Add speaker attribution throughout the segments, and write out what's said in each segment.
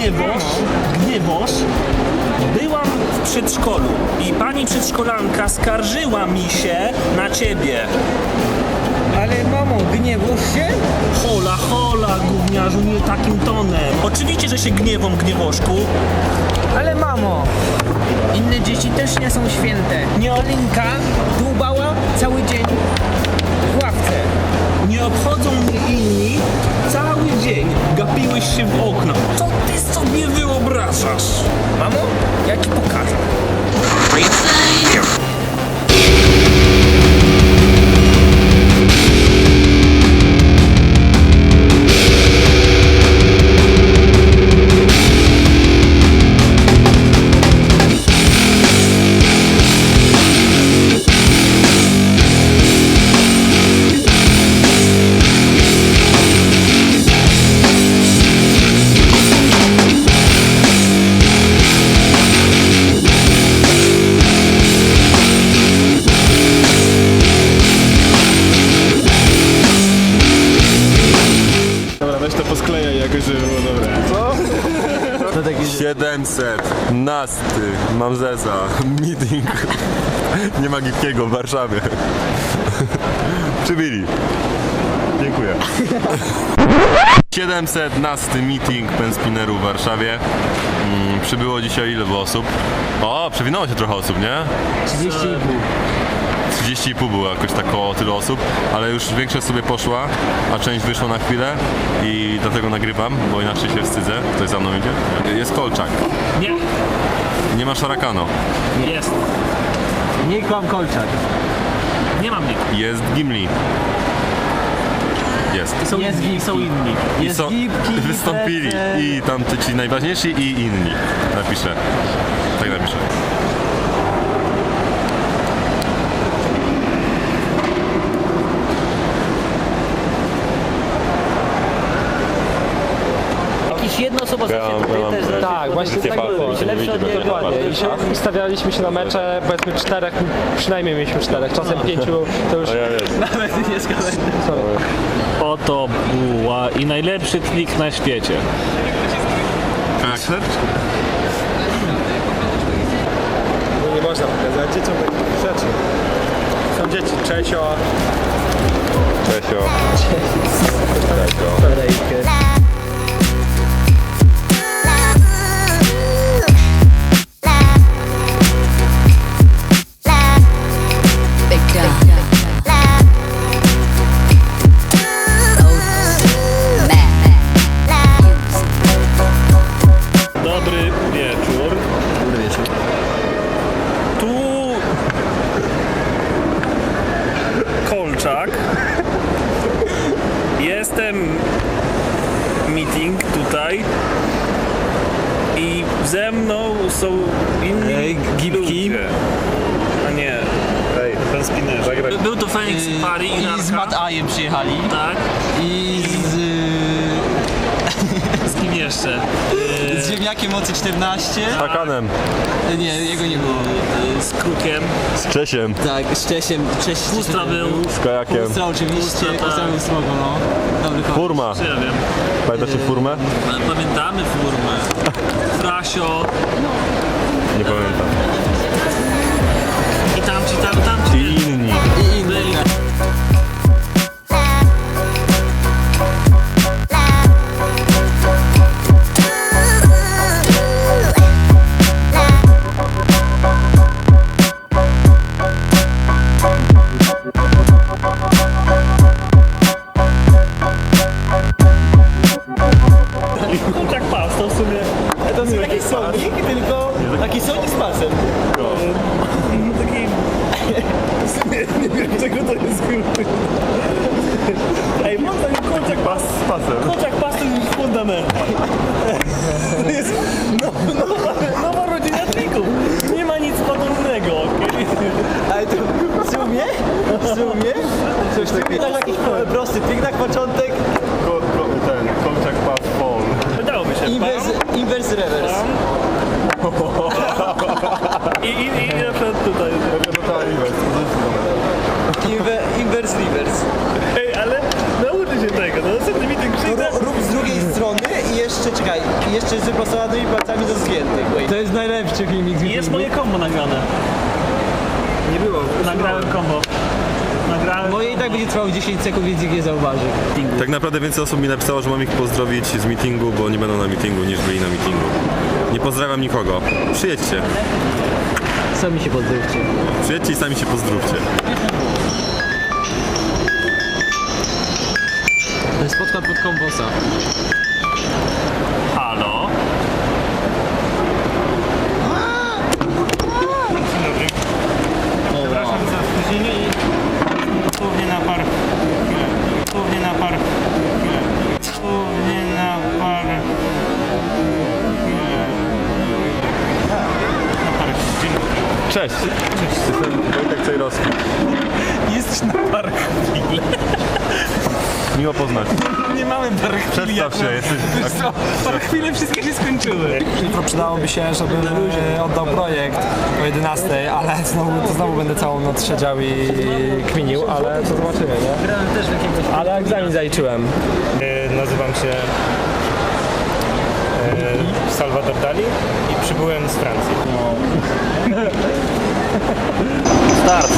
Speaker 1: Gniewosz, byłam w przedszkolu i pani przedszkolanka skarżyła mi się na ciebie.
Speaker 2: Ale mamo, gniewasz się?
Speaker 1: Hola, gówniarzu, nie takim tonem. Oczywiście, że się gniewam, Gniewoszku.
Speaker 2: Ale mamo, inne dzieci też nie są święte.
Speaker 1: Nie.
Speaker 2: Olinka dłubała cały dzień w ławce.
Speaker 1: Nie obchodzą mnie inni. Cały dzień gapiłeś się w okno. Co ty sobie wyobrażasz?
Speaker 2: Mamo, ja ci pokażę.
Speaker 3: To posklejaj jakoś, żeby było dobre. Co?
Speaker 4: 700 nasty, mam zeza, meeting, nie ma Gipkiego w Warszawie. Przybili. Dziękuję. 700 nasty meeting penspinerów w Warszawie. Przybyło dzisiaj ile było osób? O, przewinęło się trochę osób, nie? 30,5 było jakoś tak koło tylu osób, ale już większość sobie poszła, a część wyszła na chwilę i dlatego nagrywam, bo inaczej się wstydzę. Ktoś za mną idzie? Jest Kolczak.
Speaker 1: Nie,
Speaker 4: Nie ma Szarakano.
Speaker 1: jest.
Speaker 2: Nie kłam Kolczak.
Speaker 1: Nie mam nikt.
Speaker 4: Jest Gimli. Jest.
Speaker 1: Są inni.
Speaker 4: I są, wystąpili i tam ci najważniejsi i inni. Napiszę. Tak napiszę.
Speaker 2: Jedna osoba
Speaker 5: Tak, właśnie tak było. Lepsze od niej dokładnie. I ustawialiśmy się na mecze, powiedzmy 4, przynajmniej mieliśmy 4, czasem 5, to już...
Speaker 2: Nawet nie zgadzam.
Speaker 1: Oto buła i najlepszy trik na świecie.
Speaker 4: Akcept?
Speaker 3: No nie można pokazać dzieciom takich rzeczy. Są dzieci, Czesio.
Speaker 1: Dobry wieczór. Tu Kolczak. Jestem meeting tutaj i ze mną są inni
Speaker 2: Gipki.
Speaker 1: ludzie. A nie.
Speaker 3: Ten spinner. Zagrać.
Speaker 1: Był to Phoenix Party i
Speaker 2: I z Matt Ajem przyjechali.
Speaker 1: Tak.
Speaker 2: I
Speaker 1: Z kim jeszcze?
Speaker 2: z ziemniakiem mocy 14.
Speaker 4: Hakanem.
Speaker 2: Nie, jego nie było.
Speaker 1: Z Krukiem.
Speaker 4: Z Czesiem.
Speaker 2: Tak, z Czesiem.
Speaker 1: Pustra był.
Speaker 4: Z Kajakiem.
Speaker 2: Pustra oczywiście.
Speaker 1: Pustra, tak.
Speaker 2: Pustra był smogo, no. Dobry koleś.
Speaker 4: Furma.
Speaker 1: Czy ja wiem.
Speaker 4: Pamiętacie Furmę?
Speaker 1: Ale pamiętamy formę. Frasio.
Speaker 4: Nie pamiętam.
Speaker 1: I tamci.
Speaker 4: I inni.
Speaker 2: I inny.
Speaker 1: Byli. Kurczak pas, to w sumie.
Speaker 2: To jest taki sonik, tylko taki sonik z pasem.
Speaker 1: Taki... W sumie nie wiem czego to jest kurczak. Ej, mam taki kurczak pas z pasem. Kurczak pas to jest fundament. To jest nowa rodzina trików. Nie ma nic podobnego, okej?
Speaker 2: Ale to w sumie coś takiego. Tak jakiś prosty trik na początek.
Speaker 4: Ten Kolczak pas fall.
Speaker 1: Wydałoby się.
Speaker 2: Inverse reverse.
Speaker 1: I na przykład tutaj.
Speaker 2: Inverse reverse.
Speaker 1: Ej, ale nauczy się tego, no następny meeting przyjdę.
Speaker 2: Rób z drugiej strony i jeszcze czekaj. Czekaj, jeszcze z wyprostowanymi palcami do zgiętych.
Speaker 5: To jest najlepszy filmik z
Speaker 1: I jest moje combo nagrane.
Speaker 3: Nie było.
Speaker 1: Nagrałem combo. Nagrałem.
Speaker 5: Moje i tak będzie trwało 10 sekund, więc ich nie zauważy.
Speaker 4: Tak naprawdę więcej osób mi napisało, że mam ich pozdrowić z meetingu, bo nie będą na meetingu, niż byli na meetingu. Nie pozdrawiam nikogo. Przyjedźcie.
Speaker 5: Sami się pozdrówcie.
Speaker 4: Przyjedźcie i sami się pozdrówcie.
Speaker 5: To jest spotka pod kombosa.
Speaker 1: Halo? Dzień dobry. Przepraszam za spóźnienie i dosłownie na par... chwilę. Dosłownie na par... chwilę. Dosłownie na par... chwilę. Na par... Dzień dobry.
Speaker 4: Cześć. Jestem Wojtek Cejrowski.
Speaker 1: Jesteś na par chwilę.
Speaker 4: Miło poznać.
Speaker 1: Nie mamy par chwili.
Speaker 4: Przedstaw się, jesteś...
Speaker 1: Par chwile wszystkie się skończyły.
Speaker 6: Jutro przydałoby się, żebym oddał projekt o 11, ale znowu będę całą noc siedział i kminił, ale to zobaczymy, nie?
Speaker 5: Grałem też w jakiegoś...
Speaker 6: Ale egzamin zaliczyłem.
Speaker 3: Nazywam się Salvador Dali i przybyłem z Francji.
Speaker 2: Start.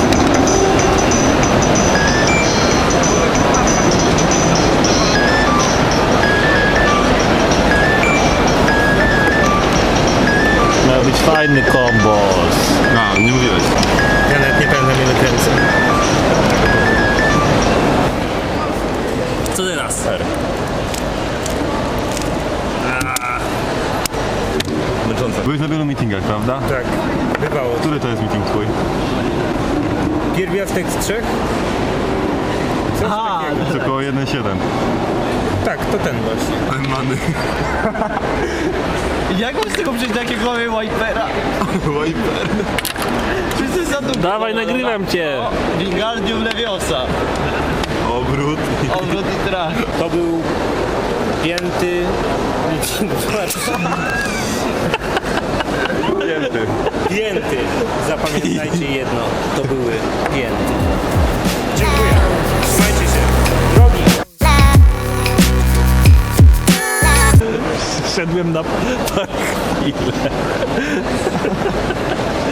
Speaker 1: Miał być fajny kombos.
Speaker 4: A, nie mówiłeś.
Speaker 3: Ja nawet nie pamiętam ile kręcę.
Speaker 1: Co teraz?
Speaker 4: Męczące. Byłeś na wielu meetingach, prawda?
Speaker 3: Tak, bywało.
Speaker 4: Który to jest meeting twój?
Speaker 3: Pierwiastek z trzech?
Speaker 5: Aha,
Speaker 4: To około 1,7.
Speaker 3: Tak, to ten właśnie.
Speaker 4: Many.
Speaker 2: Jak mam z tego przejść do jakiego mamy Wipera?
Speaker 4: Wiper.
Speaker 2: Czy to jest za długo?
Speaker 1: Dawaj, nagrywam cię.
Speaker 2: Wingardium Leviosa.
Speaker 4: Obrót.
Speaker 2: Odwrót i trach.
Speaker 3: To był pięty...
Speaker 4: Pięty.
Speaker 3: Pięty. Zapamiętajcie jedno. To były pięty. Dziękuję. Trzymajcie się. Drogi.
Speaker 1: Wszedłem na par chwilę.